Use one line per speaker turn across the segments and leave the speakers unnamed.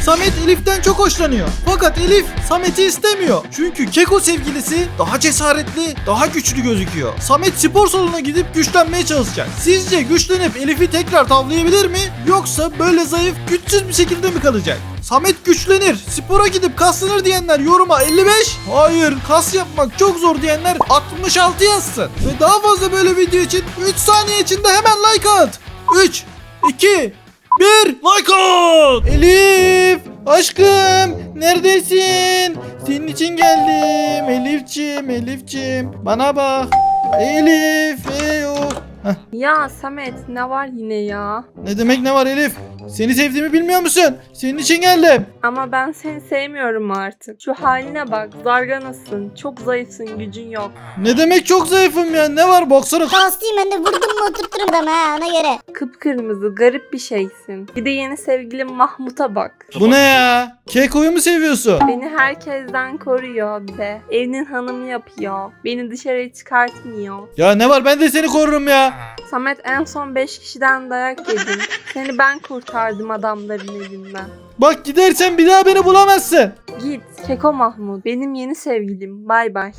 Samet Elif'ten çok hoşlanıyor. Fakat Elif Samet'i istemiyor. Çünkü Keko sevgilisi daha cesaretli, daha güçlü gözüküyor. Samet spor salonuna gidip güçlenmeye çalışacak. Sizce güçlenip Elif'i tekrar tavlayabilir mi? Yoksa böyle zayıf, güçsüz bir şekilde mi kalacak? Samet güçlenir, spora gidip kaslanır diyenler yoruma 55. Hayır, kas yapmak çok zor diyenler 66 yazsın. Ve daha fazla böyle video için 3 saniye içinde hemen like at. 3, 2, 1, like at. Elif, aşkım, neredesin? Senin için geldim. Elif'ciğim, bana bak. Elif, yok.
Ya Samet ne var yine ya?
Ne demek ne var Elif? Seni sevdiğimi bilmiyor musun? Senin için geldim.
Ama ben seni sevmiyorum artık. Şu haline bak, zarganasın, çok zayıfsın, gücün yok.
Ne demek çok zayıfım ya? Ne var baksana.
Hastayım ben de vurdum mu oturturum adamı ha ona göre.
Kıpkırmızı, garip bir şeysin. Bir de yeni sevgilim Mahmut'a bak.
Bu ne ya? Keko'yu mu seviyorsun?
Beni herkesten koruyor bir de. Evinin hanımı yapıyor. Beni dışarıya çıkartmıyor.
Ya ne var, ben de seni korurum ya.
Samet en son 5 kişiden dayak yedin. Seni ben kurtardım adamların elinden.
Bak gidersen bir daha beni bulamazsın.
Git Keko Mahmut. Benim yeni sevgilim. Bay bay.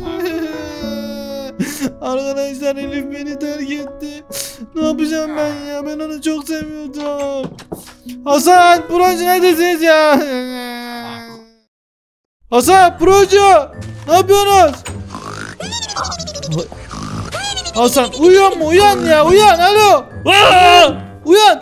Arkadaşlar Elif beni terk etti. Ne yapacağım ben ya? Ben onu çok seviyordum. Hasan, Procu neredesiniz ya? Hasan, Procu! Ne yapıyorsunuz? Hasan uyuyor mu? Uyan ya, uyan. Alo. Aa! Uyan.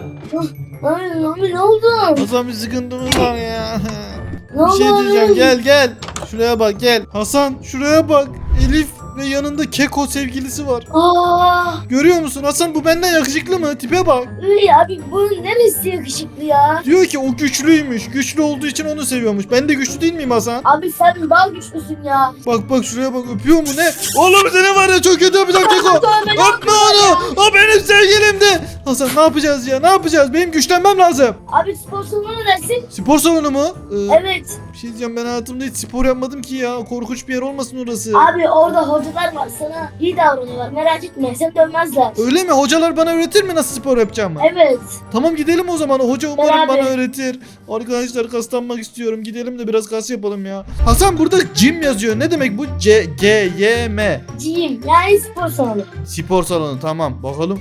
Abi ne oldu?
Hasan bir sıkıntımız var ya.
Ne
Bir şey
oldu
diyeceğim,
abi?
gel. Şuraya bak, gel. Hasan şuraya bak. Elif ve yanında Keko sevgilisi var.
Aa,
Görüyor musun Hasan, bu benden yakışıklı mı? Tipe bak.
iyi abi bunun neresi yakışıklı ya?
Diyor ki o güçlüymüş. Güçlü olduğu için onu seviyormuş. Ben de güçlü değil miyim Hasan?
Abi sen daha güçlüsün ya.
Bak şuraya bak, öpüyor mu ne? Oğlum seni var ya çok kötü öpeceğim Keko. Öpme onu. O benim sevgilimdi. Hasan ne yapacağız ya? Ne yapacağız? Benim güçlenmem lazım.
Abi spor salonu neresi?
Spor salonu mu?
Evet.
Bir şey diyeceğim, ben hayatımda hiç spor yapmadım ki ya. Korkunç bir yer olmasın orası.
Abi orada hocalar var sana iyi davranıyorlar merak etme sen dönmezler.
Öyle mi? Hocalar bana öğretir mi nasıl spor yapacağımı?
Evet.
Tamam gidelim o zaman. Hoca umarım
Beraber.
bana öğretir. Arkadaşlar kaslanmak istiyorum. Gidelim de biraz kas yapalım ya. Hasan burada gym yazıyor. Ne demek bu? G-Y-M.
Gym yani spor salonu.
Spor salonu, tamam. Bakalım.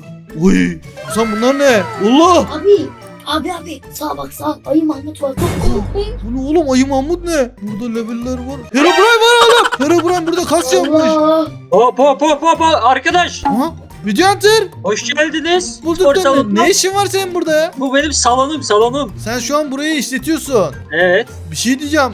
Uy. Hasan bunlar ne? Allah.
Abi sağa bak sağa ayı Mahmut var çok korkmayın.
Bu ne oğlum? Ayı Mahmut ne? Burada leveller var. Herobrine var oğlum. Herobrine burada kas yapmış.
Allah.
Hop arkadaş.
Aha. Video Hunter.
Hoş geldiniz.
Bulduk
Spor
da
salonuna.
ne işin var senin burada ya?
Bu benim salonum.
Sen şu an burayı işletiyorsun.
Evet.
Bir şey diyeceğim.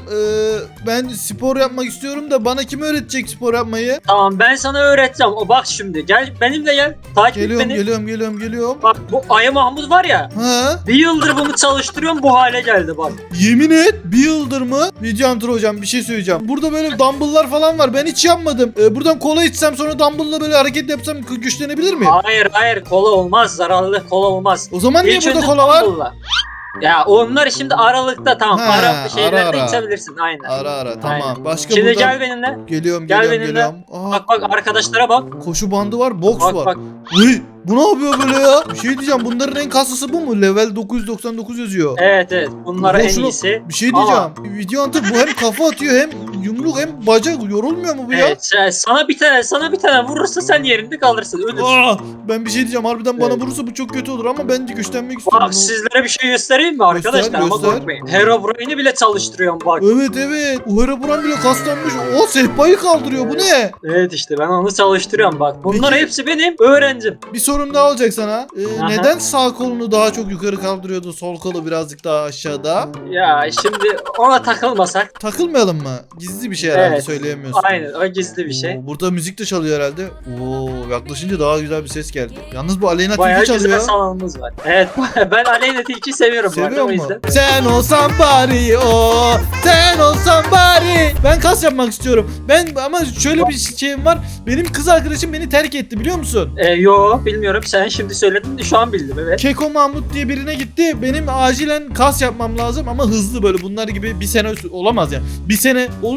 Ben spor yapmak istiyorum da bana kim öğretecek spor yapmayı?
Tamam ben sana öğreteceğim. O bak şimdi gel benimle gel. Takip et beni.
Geliyorum.
Bak bu Ayı Mahmut var ya.
Ha?
Bir yıldır bunu çalıştırıyorum bu hale geldi bak.
Yemin et, bir yıldır mı? Video Hunter hocam bir şey söyleyeceğim. Burada böyle dumbbell'lar falan var. Ben hiç yapmadım. Buradan kola içsem sonra dumbbell'la böyle hareket yapsam güçlenebilir miyim?
Hayır kola olmaz. Zararlı kola olmaz.
O zaman niye
İlk
burada
önce
kola var?
dumbbell'la. Ya onlar şimdi aralıkta tamam.
Ha,
Ara şeylerde
ara.
içebilirsin aynen.
Ara tamam.
Aynen.
Başka
Şimdi
burada...
gel benimle.
Geliyorum.
Gel benimle.
Aa,
Bak arkadaşlara bak.
koşu bandı var, boks
Bak
var.
bak.
Uy, bu ne yapıyor böyle ya? Bir şey diyeceğim, bunların en kaslısı bu mu? Level 999 yazıyor.
Evet. Bunlara en
Şunu-
iyisi.
Bir şey diyeceğim. Video Hunter bu hem kafa atıyor hem yumruk hem bacak, yorulmuyor mu bu ya?
Evet, sana bir tane vurursa sen yerinde kalırsın. Ölürsün.
Aa, ben bir şey diyeceğim, harbiden bana
Evet.
vurursa bu çok kötü olur ama ben de güçlenmek istiyorum.
Bak sizlere bir şey göstereyim mi arkadaşlar? Ama
göster.
korkmayın. Herobrine'i bile çalıştırıyorum bak.
Evet. O Herobrine bile kaslanmış. O sehpayı kaldırıyor. Bu ne?
Evet işte ben onu çalıştırıyorum bak. Bunlar
Peki-
hepsi benim öğrencim.
Bir sorum daha olacak sana.
Aha.
Neden sağ kolunu daha çok yukarı kaldırıyordu, sol kolu birazcık daha aşağıda?
Ya şimdi ona takılmasak.
Takılmayalım mı? Gizli bir şey herhalde,
Evet.
söyleyemiyorsun.
Aynen o gizli bir şey.
Oo, burada müzik de çalıyor herhalde. Oo, yaklaşınca daha güzel bir ses geldi. Yalnız bu Aleyna
Bayağı
Tilki
güzel
çalıyor.
salonumuz var. Evet ben Aleyna Tilki'yi seviyorum bu arada
Seviyor
o
mu?
yüzden.
Sen olsan bari o, sen olsan bari. Ben kas yapmak istiyorum. Ama şöyle bir şeyim var. Benim kız arkadaşım beni terk etti, biliyor musun?
Yo bilmiyorum sen şimdi söyledin de şu an bildim evet.
Keko Mahmut diye birine gitti. Benim acilen kas yapmam lazım ama hızlı, böyle bunlar gibi bir sene olamaz yani. Bir sene olur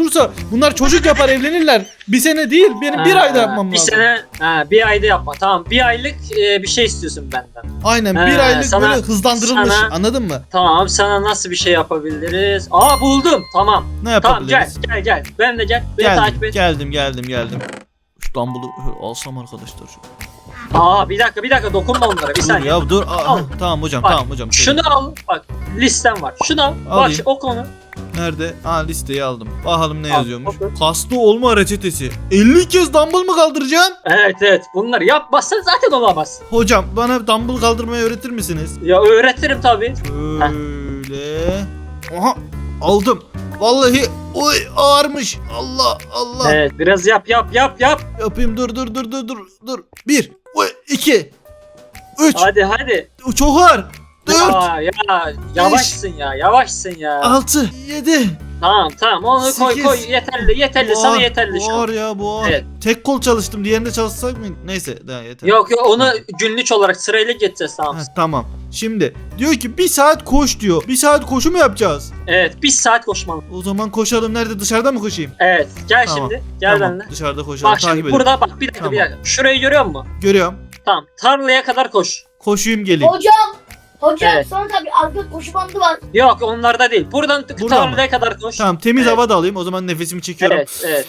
olursa bunlar çocuk yapar evlenirler. Bir sene değil benim bir ayda yapmam
Bir
lazım.
sene, bir ayda yapma. Tamam, bir aylık bir şey istiyorsun benden.
Aynen bir
Ha,
aylık
sana-
böyle hızlandırılmış
sana-
anladın mı?
Tamam, sana nasıl bir şey yapabiliriz? Aa, buldum. Tamam.
Ne
Tamam, gel
yapabiliriz?
gel. Ben de gel. Beni takip et.
Geldim. Şu dumbbell'ı alsam arkadaşlar.
Aa, bir dakika dokunma onlara. Bir
Dur
saniye.
ya dur.
Al.
Tamam hocam
Bak,
tamam hocam.
Şunu al. Bak, listem var. Şunu al.
Alayım.
Bak, oku onu.
Nerede? Listeyi aldım. Bakalım ne
Al,
yazıyormuş.
oku.
Kaslı olma reçetesi. 50 kez dumbbell mı kaldıracağım?
Evet. Bunları yapmazsan zaten olamaz.
Hocam bana dumbbell kaldırmayı öğretir misiniz?
Ya öğretirim tabii.
Şöyle. Aha aldım. Vallahi oy ağırmış. Allah.
Evet, biraz yap.
Yapayım dur. 1 2 3
Hadi.
Çok ağır. 4
Ya yavaşsın ya.
6 7
Tamam onu koy
8.
yeterli sana yeterli şu an.
Ağır ya bu ağır.
Evet.
Tek kol çalıştım. Diğerinde çalışsak mı? Neyse daha yeter.
Yok onu günlük olarak sırayla geçeceğiz, tamam.
Ha, tamam. Şimdi diyor ki 1 saat koş diyor. 1 saat koşu mu yapacağız?
Evet, 1 saat koşmalı.
O zaman koşalım. Nerede? Dışarıda mı koşayım?
Evet, gel
Tamam,
şimdi. Gel
Tamam,
benimle.
dışarıda koşalım.
Bak
Takip
şimdi
edin.
burada bak bir dakika.
Tamam.
Şurayı görüyor musun?
Görüyorum.
Tamam, tarlaya kadar koş.
Koşuyum geleyim.
Hocam
Evet.
sonra tabii arka koşu bandı var.
Yok, onlarda değil. Buradan
Buradan
tarlaya kadar koş.
Tamam temiz
Evet.
hava da alayım. O zaman nefesimi çekiyorum.
Evet.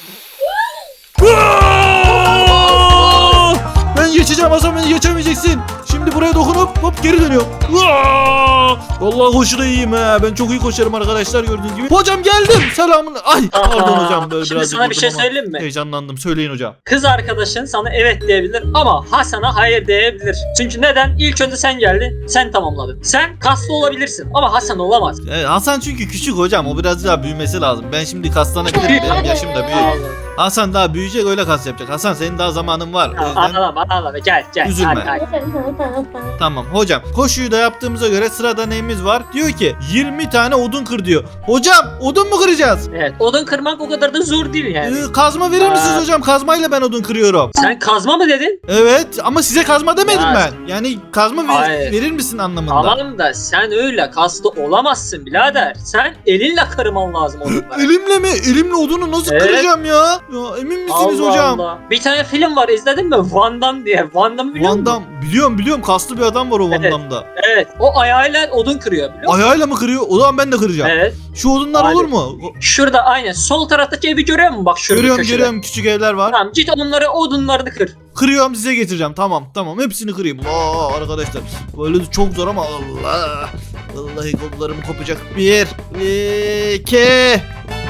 Aa! Ben geçeceğim Hasan, beni geçemeyeceksin. Şimdi buraya dokunup hop geri dönüyorum. Aa! Vallahi koşuda iyiyim ha. Ben çok iyi koşarım arkadaşlar gördüğünüz gibi. Hocam geldim. Selamun. Ay pardon hocam böyle
Şimdi
biraz
sana bir şey söyleyeyim mi?
Heyecanlandım. Söyleyin hocam.
Kız arkadaşın sana evet diyebilir ama Hasan'a hayır diyebilir. Çünkü neden? İlk önce sen geldin, sen tamamladın. Sen kaslı olabilirsin ama Hasan olamaz.
Hasan çünkü küçük hocam. O biraz daha büyümesi lazım. Ben şimdi kaslanabilirim. Benim yaşım da büyük. Hasan daha büyüyecek, öyle kas yapacak. Hasan senin daha zamanın var. O yüzden
Anladım. Gel.
Üzülme.
Hadi.
tamam hocam. Koşuyu da yaptığımıza göre sırada neyimiz var? Diyor ki 20 tane odun kır diyor. Hocam odun mu kıracağız?
Evet, odun kırmak o kadar da zor değil yani.
Kazma verir misiniz hocam? Kazmayla ben odun kırıyorum.
Sen kazma mı dedin?
Evet ama size kazma demedim
Ya.
ben. Yani kazma
Hayır.
verir misin anlamında.
Tamam da sen öyle kaslı olamazsın birader. Sen elinle kırman lazım odunları.
Elimle mi? Elimle odunu nasıl
Evet.
kıracağım ya? Ya emin misiniz hocam?
Allah. Bir tane film var, izledin mi? Van Damme diye. Van Damme'ı biliyor
Van
musun?
Damme. Biliyorum kaslı bir adam var o Van
Evet.
Damme'da.
Evet. O ayağıyla odun kırıyor biliyor musun?
Ayağıyla mı kırıyor? O zaman ben de kıracağım.
Evet.
Şu odunlar
Hadi.
olur mu?
Şurada aynen. Sol taraftaki evi görüyor musun? Bak şurada köşede.
Görüyorum küçük evler var.
Tamam, git odunlarını kır.
Kırıyorum size getireceğim. Tamam hepsini kırayım. Arkadaşlar böyle de çok zor ama Allah. Vallahi kollarım kopacak. 1 2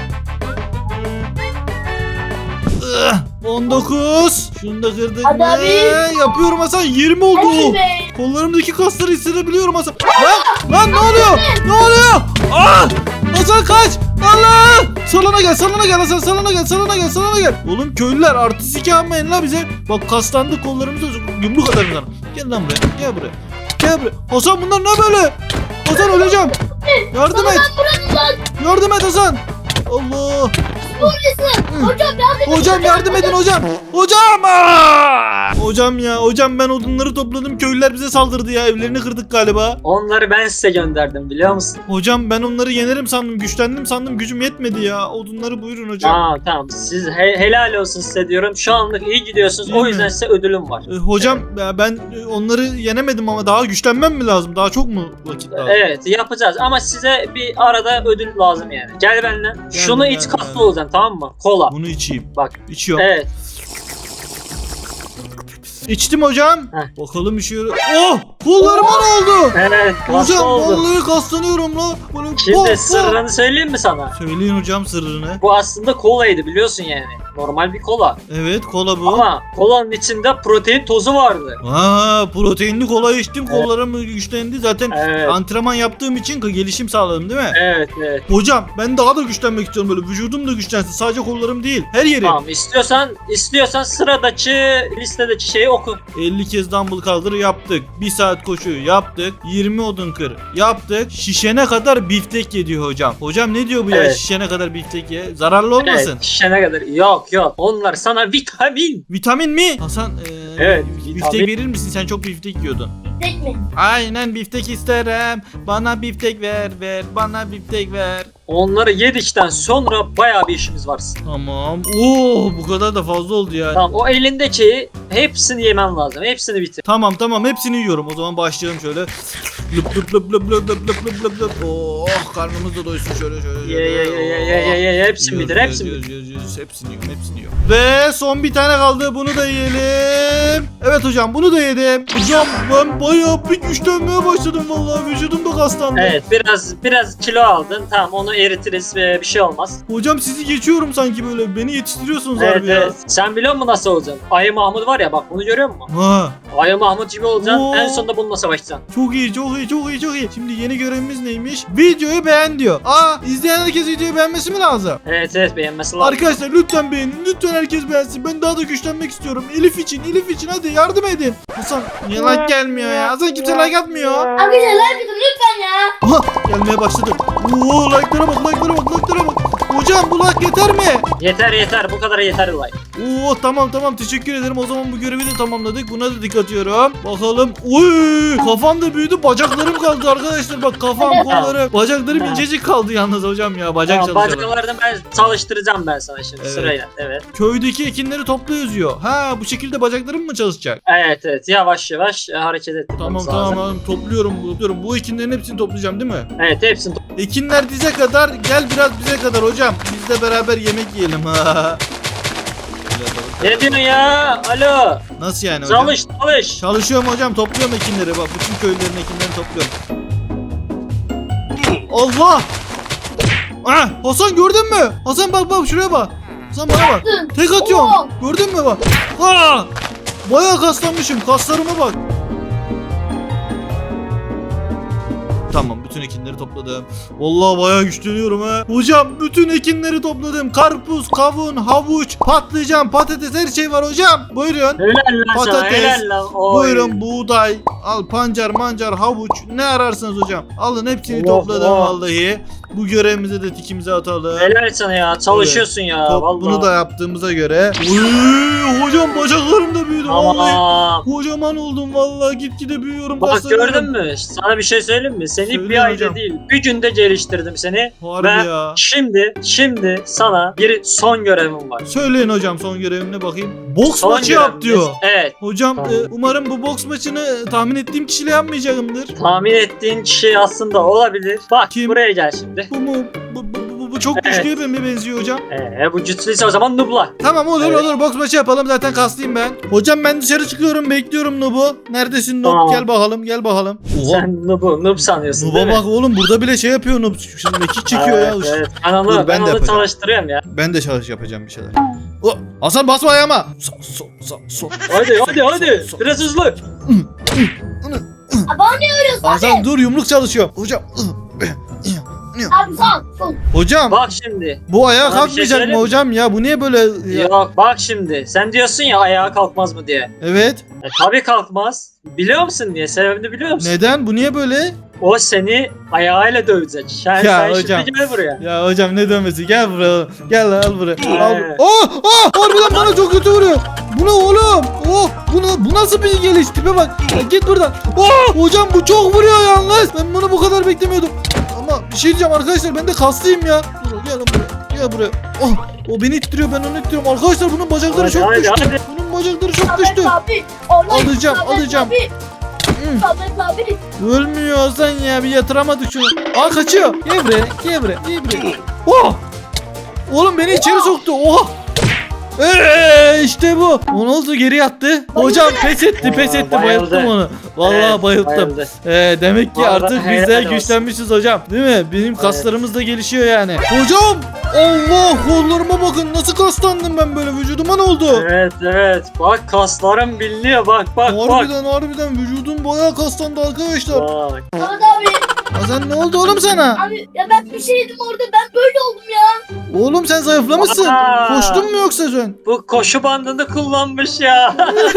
19. Şunu da kırdık
Hadi
mı?
abi.
Yapıyorum Hasan, 20 oldu.
Hadi be.
Kollarımdaki kasları hissedebiliyorum Hasan. Lan ne oluyor? Hasan kaç. Allah! Salona gel Hasan, salona gel. Oğlum köylüler artistik yapmayın la bize. Bak kaslandık, kollarımızı yumruk atarım sana. Gel lan buraya. Gel buraya. Hasan bunlar ne böyle? Hasan öleceğim. Yardım et. Yardım et Hasan. Allah. Hocam yardım edin hocam. Hocam ben odunları topladım. Köylüler bize saldırdı ya. Evlerini kırdık galiba.
Onları ben size gönderdim biliyor musun?
Hocam ben onları yenerim sandım. Güçlendim sandım. Gücüm yetmedi ya. Odunları buyurun hocam.
Tamam. Siz helal olsun size diyorum. Şu anlık iyi gidiyorsunuz.
Değil
O
mi?
yüzden size ödülüm var.
Hocam ben onları yenemedim ama daha güçlenmem mi lazım? Daha çok mu vakit lazım?
Evet, yapacağız ama size bir arada ödül lazım yani. Gel benimle. Şunu iç,
geldim.
kaslı olacaksın, tamam mı? Kola.
Bunu içeyim.
Bak.
İçiyorum.
Evet.
İçtim hocam.
Heh.
Bakalım işe yarıyor. Oh! Kollarıma ne oldu?
Evet, kaslı
Hocam
oldu.
vallahi kaslanıyorum la. Böyle
Şimdi sırrını söyleyeyim mi sana?
Söyleyin hocam sırrını.
Bu aslında kolaydı biliyorsun yani. Normal bir kola.
Evet kola bu.
Ama kolanın içinde protein tozu vardı.
Proteinli kola içtim. Kollarım güçlendi. Zaten
Evet.
antrenman yaptığım için gelişim sağladım değil mi?
Evet.
Hocam ben daha da güçlenmek istiyorum böyle. Vücudum da güçlensin. Sadece kollarım değil. Her yerim.
Tamam, istiyorsan sıradaki listedeki şeyi oku.
50 kez dumbbell kaldır yaptık. 1 saat koşu yaptık. 20 odun kır yaptık. Şişene kadar biftek ye diyor hocam. Hocam ne diyor bu ya?
Evet.
Şişene kadar biftek ye. Zararlı olmasın.
Evet, şişene kadar. Yok. Onlar sana vitamin.
Vitamin mi? Hasan
Evet,
biftek
vitamin.
verir misin? Sen çok biftek yiyordun.
Tek mi?
Aynen biftek isterim. Bana biftek ver. Bana biftek ver.
onları yedikten sonra bayağı bir işimiz var.
Tamam. Oo, bu kadar da fazla oldu ya.
Tamam, o elindeki hepsini yemen lazım. Hepsini bitir.
Tamam hepsini yiyorum. O zaman başlayalım şöyle. Lüp lüp lüp lüp lüp lüp lüp lüp lüp lüp. Oh, karnımız da doysun şöyle.
Ye. Hepsini bitir. Hepsini bitir.
Hepsini yiyorum. Ve son bir tane kaldı. Bunu da yiyelim. Evet hocam, bunu da yedim. Hocam ben bayağı bir güçlenmeye başladım vallahi. Vücudum da kaslandı.
Evet, biraz kilo aldın. Tamam, onu eritiriz ve bir şey olmaz.
Hocam sizi geçiyorum sanki böyle. Beni yetiştiriyorsunuz
Evet,
harbi ya.
evet. Sen biliyor musun nasıl olacaksın? Ayı Mahmut var ya, bak bunu görüyor musun?
Ha,
Ayı Mahmut gibi olacaksın.
Oo.
En sonunda bununla savaşacaksın.
çok iyi. Şimdi yeni görevimiz neymiş? Videoyu beğen diyor. İzleyen herkes videoyu beğenmesi mi lazım?
Evet, beğenmesi lazım.
Arkadaşlar lütfen beğenin. Lütfen herkes beğensin. Ben daha da güçlenmek istiyorum. Elif için hadi yardım edin. Hasan niye like gelmiyor ya? Hasan kimse like atmıyor.
Arkadaşlar like atın lütfen ya.
Aha gelmeye başladı. Oo like'lara bak. Hocam bu like yeter mi?
Yeter. Bu kadar yeter like.
Oo tamam teşekkür ederim. O zaman bu görevi de tamamladık. Buna da dikkat atıyorum. Bakalım. Oy kafam da büyüdü. Bacaklarım kaldı arkadaşlar. Bak kafam, kollarım. Bacaklarım incecik kaldı yalnız hocam ya. Bacak
Tamam,
çalışalım.
bacaklarını ben çalıştıracağım ben sana şimdi
Evet.
sırayla. Evet.
Köydeki ekinleri topla yazıyor. Ha bu şekilde bacaklarım mı çalışacak?
Evet. Yavaş hareket ettirmemiz lazım.
Tamam topluyorum. Bu ekinlerin hepsini toplayacağım değil mi?
Evet, hepsini
Ekinler dize kadar, gel biraz bize kadar hocam. Biz de beraber yemek yiyelim.
Ne diyorsun ya? Alo.
Nasıl yani hocam?
Çalış.
Çalışıyorum hocam, topluyorum ekinleri. Bak bütün köylülerin ekinlerini topluyorum. Allah! Hasan gördün mü? Hasan bak şuraya bak. Hasan bana bak. Tek atıyorum. Gördün mü bak? Bayağı kaslanmışım. Kaslarıma bak. Tamam bütün ekinleri topladım. Vallahi bayağı güçleniyorum ha. Hocam bütün ekinleri topladım. Karpuz, kavun, havuç, patlıcan, patates her şey var hocam. Buyurun.
Helal lan sana,
Patates,
helal lan. Oy.
Buyurun buğday, al pancar, mancar, havuç ne ararsanız hocam. Alın hepsini
Oh,
topladım
oh.
vallahi. Bu görevimize de tikimizi atalım.
Helal sana ya. Çalışıyorsun ya. Vallahi.
Bunu da yaptığımıza göre. Uy, hocam bacaklarım da büyüdü vallahi.
Tamam.
Kocaman oldum vallahi, gitgide büyüyorum.
Bak
kaslanıyorum.
gördün mü? Sana bir şey söyleyeyim mi? Seni
Söyle
bir ayda
hocam.
değil, bir günde geliştirdim seni.
Harbi
Ve
ya.
şimdi sana bir son görevim var.
Söyleyin hocam son görevine bakayım. Boks
Son
maçı yap
görevimiz-
diyor.
Evet.
Hocam
Tamam.
umarım bu boks maçını tahmin ettiğim kişiyle yapmayacağımdır.
Tahmin ettiğin kişi aslında olabilir. Bak
Kim?
buraya gel şimdi.
Bu mu? Bu çok
Evet.
güçlüye mi benziyor hocam?
Bu güçlüyse o zaman nubla.
Tamam olur
Evet.
olur boks maçı yapalım, zaten kaslıyım ben. Hocam ben dışarı çıkıyorum, bekliyorum Nub'u. Neredesin Nub?
Tamam.
Gel bakalım. Oha.
Sen noob sanıyorsun değil
Nub'a
mi?
bak oğlum, burada bile şey yapıyor Nub. Şimdi mekik çekiyor ya.
Evet. Ben onu,
Dur, ben de
onu
yapacağım.
çalıştırıyorum ya.
Ben de yapacağım bir şeyler. Hasan basma ayağıma. So.
Hadi. Biraz hızlı.
Abi ne örüyorsun
Hasan dur, yumruk çalışıyor. Hocam.
abi son.
Hocam
Bak şimdi.
bu ayağa
Sana bir şey
kalkmayacak mı
söyleyeyim mi?
hocam ya? Bu niye böyle ya?
Yok bak şimdi. Sen diyorsun ya ayağa kalkmaz mı diye.
Evet.
Tabii kalkmaz. Biliyor musun niye? Sebebini biliyor musun?
Neden? Bu niye böyle?
O seni ayağıyla dövecek. Sen
hocam.
şimdi gel buraya.
Ya hocam ne dönmesi? Gel buraya. Gel lan, al buraya. Al.
Evet.
Harbiden bana çok kötü vuruyor. Bu ne oğlum? Bu nasıl bir geliş? Tipe bak. Ya git buradan. Hocam bu çok vuruyor yalnız. Ben bunu bu kadar beklemiyordum. Ama bir şey diyeceğim arkadaşlar, ben de kaslıyım ya. Dur gel lan buraya. Gel buraya. O beni ittiriyor, ben onu ittiriyorum. Arkadaşlar bunun bacakları çok düştü.
Hadi.
Bunun bacakları çok
Samet
düştü.
abi.
Alacağım.
Samet abi.
Ölmüyor Hasan ya, bir yatıramadık şunu. Kaçıyor. Gel buraya. Oğlum beni içeri soktu. İşte bu. O ne oldu, geri yattı. Hocam pes etti.
Bayıldı.
Bayılttım onu. Vallahi
Evet,
bayılttım.
bayıldı.
Demek ki
Vallahi
artık biz
helal
de
olsun.
güçlenmişiz hocam. Değil mi? Benim kaslarımız da gelişiyor yani. Hocam! Allah, kollarıma bakın, nasıl kaslandım ben böyle, vücuduma ne oldu?
Evet. Bak kaslarım biliniyor. Bak.
Harbiden vücudum bayağı kaslandı arkadaşlar.
Bak.
Samet abi.
Hasan ne oldu oğlum sana?
Abi ya ben bir şey yedim orada, ben böyle oldum ya.
Oğlum sen zayıflamışsın.
Aa.
Koştun mu yoksa sen?
Bu koşu bandını kullanmış ya.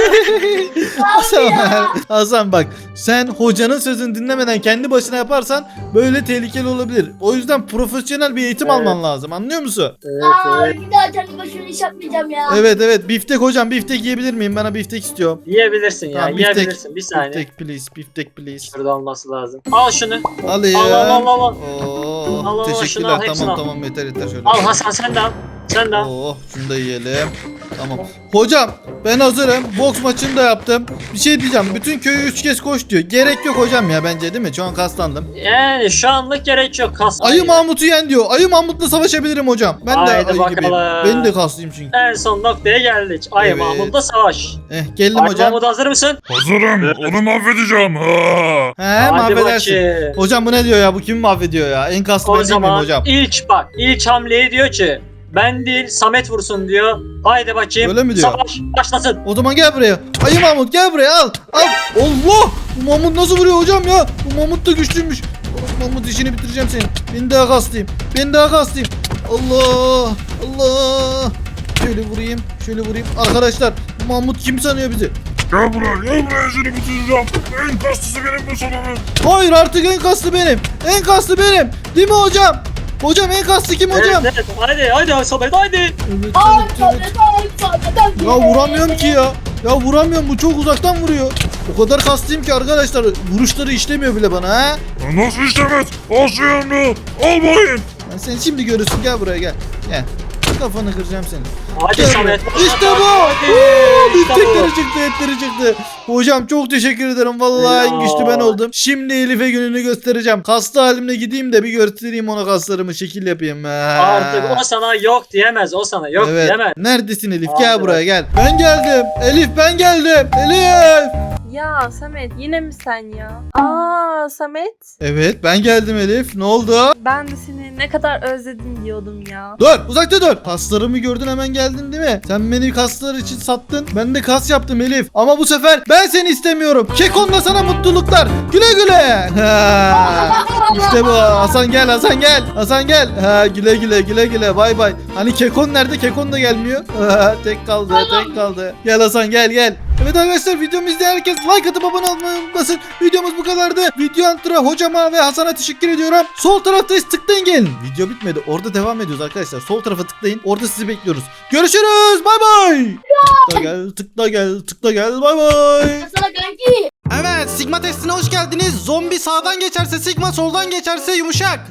Hasan bak, sen hocanın sözünü dinlemeden kendi başına yaparsan böyle tehlikeli olabilir. O yüzden profesyonel bir eğitim
Evet.
alman lazım, anlıyor musun?
Evet.
Bir daha kendi başıma iş yapmayacağım ya.
Evet biftek hocam, biftek yiyebilir miyim? Bana biftek istiyorum.
Yiyebilirsin ya.
Tamam,
Yiyebilirsin. Bir saniye.
Biftek please.
Şurada olması lazım. Al şunu.
Alayım.
Al.
Oh,
Al, al, şunu
teşekkürler.
al, hepsini
Tamam
al.
tamam yeter şöyle.
Al Hasan sen de al. Sen de al.
Oh, şunu da yiyelim. Tamam. Hocam ben hazırım. Boks maçını da yaptım. Bir şey diyeceğim. Bütün köyü 3 kez koş diyor. Gerek yok hocam ya bence değil mi? Şu an kaslandım.
Yani şu anlık gerek yok kas.
Ayı Mahmut'u yen diyor. Ayı Mahmut'la savaşabilirim hocam. Ben de
Haydi
ayı gibiyim.
bakalım.
Ben de kaslıyım çünkü.
En son noktaya geldik. Ayı
Evet.
Mahmut'la savaş.
Geldim
Ayı
hocam.
Mahmut hazır mısın?
Hazırım. Onu mahvedeceğim. Ha.
He
Hadi
mahvedersin.
bakayım.
Hocam bu ne diyor ya? Bu kimi mahvediyor ya? En kaslı
O
ben değil miyim
zaman
hocam?
ilk hamleyi diyor ki ben değil Samet vursun diyor. Haydi bakayım.
Öyle mi diyor?
Savaş başlasın.
O zaman gel buraya. Ayı Mahmut gel buraya al. Al. Allah! Bu Mahmut nasıl vuruyor hocam ya? Bu Mahmut da güçlüymüş. Mahmut işini bitireceğim senin. Ben daha kaslıyım. Ben daha kaslıyım. Allah! Allah! Şöyle vurayım. Şöyle vurayım. Arkadaşlar bu Mahmut kim sanıyor bizi?
Gel buraya. Gel buraya seni bitireceğim. En kaslısı benim bu sonunun.
Hayır artık en kaslı benim. En kaslı benim. Değil mi hocam? Hocam en kaslı kim hocam?
Evet, haydi Samet haydi.
Evet,
Ay
evet, evet.
Samet.
Ya vuramıyorum ki ya. Ya vuramıyorum, bu çok uzaktan vuruyor. O kadar kaslıyım ki arkadaşlar, vuruşları işlemiyor bile bana ha.
Ya nasıl işlemez? Al şu yanını. Al bayım.
Ben sen şimdi görürsün, gel buraya gel. Gel. Kafanı kıracağım senin.
Hadi
Gel
Samet.
buraya. İşte bu.
Hadi. İşte
Bittikleri
bu.
çıktı, etleri çıktı. Hocam çok teşekkür ederim. Vallahi en güçlü ben oldum. Şimdi Elif'e gününü göstereceğim. Kaslı halimle gideyim de bir göstereyim ona, kaslarımı şekil yapayım.
Artık o sana yok diyemez. O sana yok
Evet.
diyemez.
Neredesin Elif?
Hadi
Gel buraya
bak.
gel. Ben geldim. Elif ben geldim. Elif.
Ya Samet yine mi sen ya? Aa Samet.
Evet ben geldim Elif. Ne oldu?
Ben de seni ne kadar özledim diyordum ya.
Dur, uzakta dur. Kaslarımı gördün hemen geldin değil mi? Sen beni kaslar için sattın. Ben de kas yaptım Elif. Ama bu sefer ben seni istemiyorum. Kekon'la sana mutluluklar. Güle güle. Ha. İşte bu. Hasan gel, Hasan gel. Hasan gel. Ha, güle güle, güle güle. Bay bay. Hani Kekon nerede? Kekon da gelmiyor. Ha, tek kaldı, tek kaldı. Gel Hasan gel gel. Evet arkadaşlar, videomu izleyen herkes like atıp abone olmayı unutmasın. Videomuz bu kadardı. Video altına hocama ve Hasan'a teşekkür ediyorum. Sol taraftayız, tıklayın gelin. Video bitmedi. Orada devam ediyoruz arkadaşlar. Sol tarafa tıklayın. Orada sizi bekliyoruz. Görüşürüz. Bay bay. Tıkla gel, tıkla gel, tıkla gel. Bay bay.
Sana kanki.
Evet, Sigma testine hoş geldiniz. Zombi sağdan geçerse Sigma, soldan geçerse yumuşak.